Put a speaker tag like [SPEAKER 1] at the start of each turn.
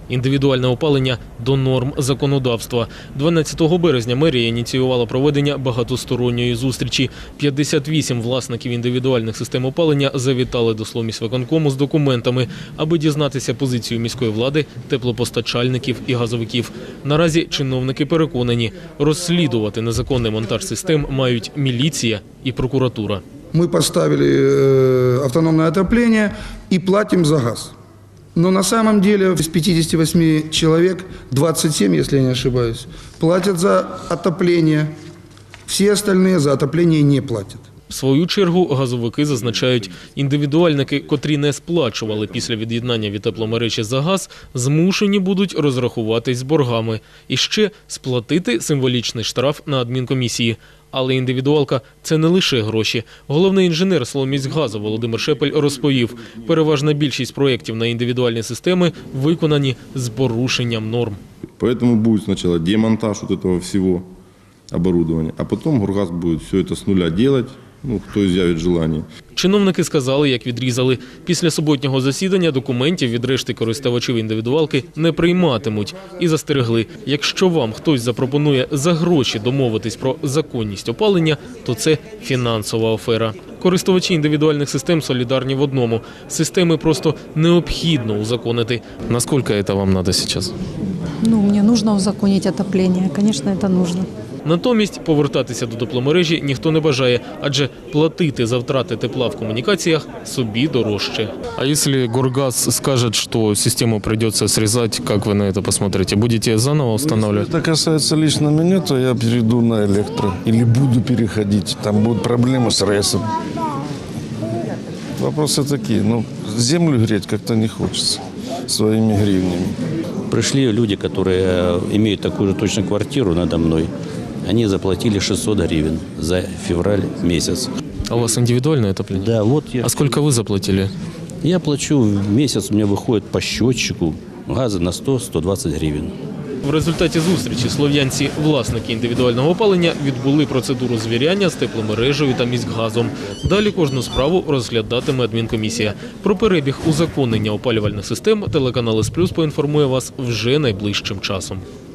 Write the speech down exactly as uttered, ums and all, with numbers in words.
[SPEAKER 1] Індивідуальне опалення до норм законодавства. дванадцятого березня мерія ініціювала проведення багатосторонньої зустрічі. п'ятдесят вісім власників індивідуальних систем опалення завітали до Сломісвиконкому з документами, аби дізнатися позицію міської влади, теплопостачальників і газовиків. Наразі чиновники переконані, розслідувати незаконний монтаж систем мають міліція і прокуратура.
[SPEAKER 2] Мы поставили автономное отопление и платим за газ. Но на самом деле из пятидесяти восьми человек, двадцать семь, если я не ошибаюсь, платят за отопление. Все остальные за отопление не платят.
[SPEAKER 1] В свою чергу газовики зазначають, індивідуальники, котрі не сплачували після від'єднання від тепломережі за газ, змушені будуть розрахуватись з боргами. І ще сплатити символічний штраф на адмінкомісії. Але індивідуалка – це не лише гроші. Головний інженер Сломміськгазу Володимир Шепель розповів, переважна більшість проєктів на індивідуальні системи виконані з порушенням норм.
[SPEAKER 3] Поэтому будет сначала демонтаж вот этого всего оборудования, а потом Горгаз будет все это с нуля делать, ну, хто изъявит желание.
[SPEAKER 1] Чиновники сказали, як відрізали. Після суботнього засідання документів від решти користувачів індивідуалки не прийматимуть. І застерегли, якщо вам хтось запропонує за гроші домовитись про законність опалення, то це фінансова афера. Користувачі індивідуальних систем солідарні в одному. Системи просто необхідно узаконити. Наскільки це вам треба зараз?
[SPEAKER 4] Ну, мне нужно узаконить отопление. Конечно, это нужно.
[SPEAKER 1] Натомість повертатися до тепломережі ніхто не бажає, адже платити за втрати тепла в комунікаціях собі дорожче. А якщо Горгаз скаже, що систему прийдеться зрізати, як ви на це посмотрите? Будете заново встановлювати?
[SPEAKER 5] Если это касается лично меня, то я перейду на электро. Или буду переходить. Там будут проблемы с РЭСом. Вопросы такие. Ну, землю греть как-то не хочется своими гривнями.
[SPEAKER 6] Пришли люди, которые имеют такую же точно квартиру надо мной. Они заплатили шестьсот гривен за февраль месяц.
[SPEAKER 1] А у вас индивидуальное отопление?
[SPEAKER 6] Да, вот я.
[SPEAKER 1] А сколько вы заплатили?
[SPEAKER 6] Я плачу в месяц, у меня выходит по счетчику газа на сто — сто двадцать гривен.
[SPEAKER 1] В результаті зустрічі слов'янці, власники індивідуального опалення, відбули процедуру звіряння з тепломережею та міськгазом. Далі кожну справу розглядатиме адмінкомісія. Про перебіг узаконення опалювальних систем телеканал С Плюс поінформує вас вже найближчим часом.